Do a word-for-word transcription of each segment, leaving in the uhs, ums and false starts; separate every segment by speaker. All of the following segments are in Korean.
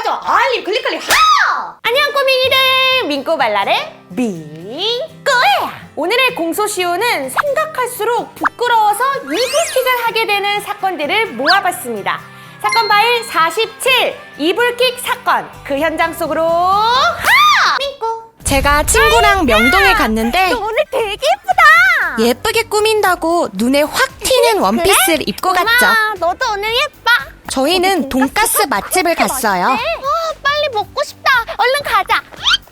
Speaker 1: 좋아요 알림 클릭 클릭 하! 안녕 꼬맹이들, 민꼬발랄의 민꼬야. 오늘의 공소시효는 생각할수록 부끄러워서 이불킥을 하게 되는 사건들을 모아봤습니다. 사건 파일 사십칠, 이불킥 사건. 그 현장 속으로 하! 민꼬.
Speaker 2: 제가 친구랑 명동에 갔는데
Speaker 1: 너 오늘 되게 예쁘다.
Speaker 2: 예쁘게 꾸민다고 눈에 확 튀는 원피스를 입고 갔죠.
Speaker 1: 고마워. 너도 오늘 예뻐.
Speaker 2: 저희는 돈가스 맛집을 갔어요.
Speaker 1: 어, 빨리 먹고 싶다. 얼른 가자.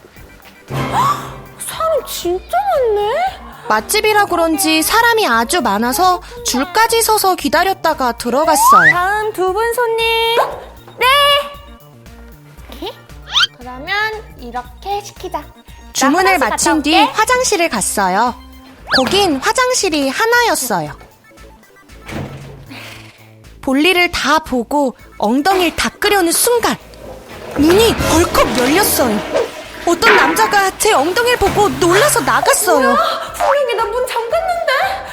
Speaker 1: 사람 진짜 많네.
Speaker 2: 맛집이라 그런지 사람이 아주 많아서 줄까지 서서 기다렸다가 들어갔어요.
Speaker 1: 다음 두 분 손님. 네. 이렇게? 그러면 이렇게 시키자.
Speaker 2: 주문을
Speaker 1: 나 화장실
Speaker 2: 마친
Speaker 1: 갔다
Speaker 2: 뒤
Speaker 1: 올게.
Speaker 2: 화장실을 갔어요. 거긴 화장실이 하나였어요. 볼일을 다 보고 엉덩이를 닦으려는 순간 문이 벌컥 열렸어요. 어떤 남자가 제 엉덩이를 보고 놀라서 나갔어요.
Speaker 1: 분명히 나 문 잠갔는데.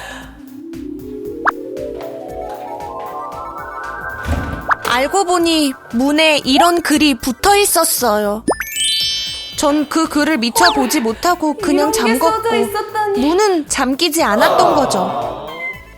Speaker 2: 알고 보니 문에 이런 글이 붙어 있었어요. 전 그 글을 미처 보지 못하고 그냥
Speaker 1: 이런 게
Speaker 2: 잠궜고
Speaker 1: 써져 있었다니.
Speaker 2: 문은 잠기지 않았던 거죠.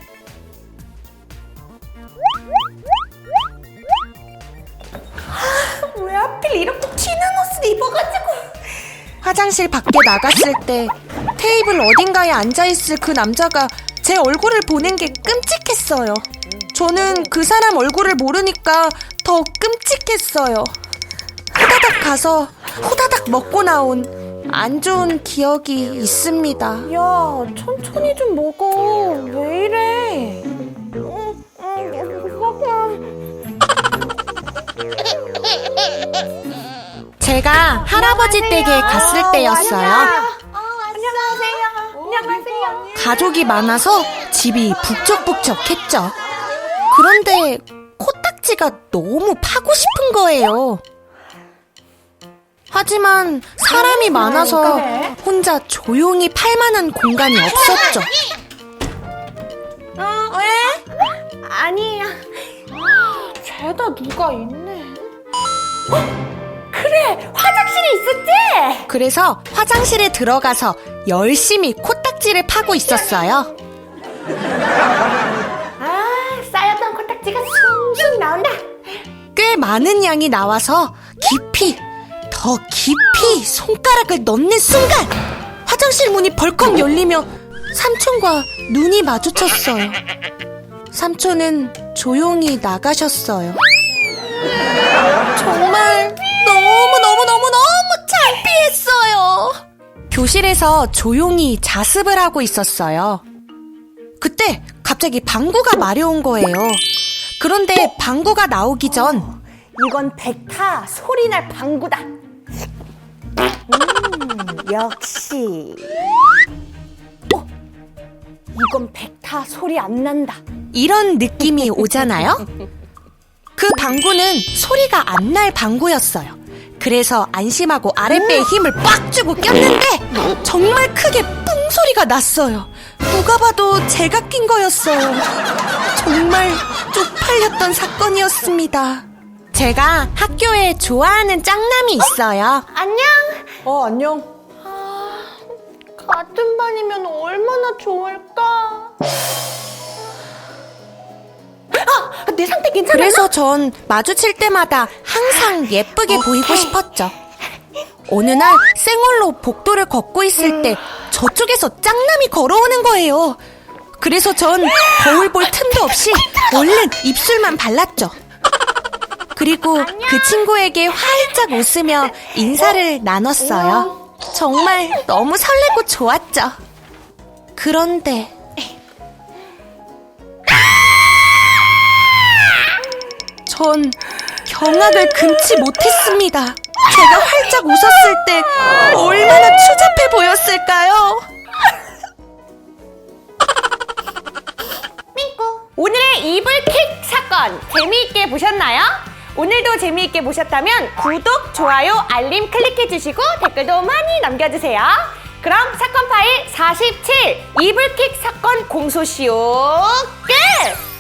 Speaker 1: 왜 하필 이렇게 튀는 옷을 입어가지고.
Speaker 2: 화장실 밖에 나갔을 때 테이블 어딘가에 앉아있을 그 남자가 제 얼굴을 보는 게 끔찍했어요. 저는 그 사람 얼굴을 모르니까 더 끔찍했어요. 후다닥 가서 후다닥 먹고 나온 안 좋은 기억이 있습니다.
Speaker 1: 야, 천천히 좀 먹어. 왜 이래?
Speaker 2: 제가 할아버지 댁에 갔을 때였어요.
Speaker 1: 안녕하세요. 안녕하세요.
Speaker 2: 가족이 많아서 집이 북적북적했죠. 그런데 코딱지가 너무 파고 싶은 거예요. 하지만 사람이 많아서 혼자 조용히 팔만한 공간이 없었죠.
Speaker 1: 어, 왜? 아니야. 죄다 누가 있네. 어? 그래, 화장실에 있었지?
Speaker 2: 그래서 화장실에 들어가서 열심히 코딱지를 파고 있었어요.
Speaker 1: 아, 쌓였던 코딱지가 숭숭 나온다.
Speaker 2: 꽤 많은 양이 나와서 깊이, 더 깊이 손가락을 넣는 순간 화장실 문이 벌컥 열리며 삼촌과 눈이 마주쳤어요. 삼촌은 조용히 나가셨어요. 정말 너무너무너무너무 창피했어요. 교실에서 조용히 자습을 하고 있었어요. 그때 갑자기 방구가 마려운 거예요. 그런데 방구가 나오기 전
Speaker 1: 이건 백타 소리날 방구다. 음, 역시. 어, 이건 백타 소리 안 난다.
Speaker 2: 이런 느낌이 오잖아요? 그 방구는 소리가 안 날 방구였어요. 그래서 안심하고 아랫배에 힘을 빡 주고 꼈는데 정말 크게 뿡 소리가 났어요. 누가 봐도 제가 낀 거였어요. 정말 쪽팔렸던 사건이었습니다. 제가 학교에 좋아하는 짱남이 있어요.
Speaker 1: 안녕.
Speaker 3: 어, 안녕.
Speaker 1: 아, 같은 반이면 얼마나 좋을까. 아, 내 상태 괜찮아?
Speaker 2: 그래서 전 마주칠 때마다 항상 예쁘게 보이고 싶었죠. 어느 날 생얼로 복도를 걷고 있을 때 저쪽에서 짱남이 걸어오는 거예요. 그래서 전 거울 볼 틈도 없이 얼른 입술만 발랐죠. 그리고 그 친구에게 활짝 웃으며 인사를 나눴어요. 정말 너무 설레고 좋았죠. 그런데 전 경악을 금치 못했습니다. 제가 활짝 웃었을 때 얼마나 추잡해 보였을까요?
Speaker 1: 오늘의 이불킥 사건 재미있게 보셨나요? 오늘도 재미있게 보셨다면 구독, 좋아요, 알림 클릭해주시고 댓글도 많이 남겨주세요. 그럼 사건 파일 사십칠 이불킥 사건 공소시효 끝!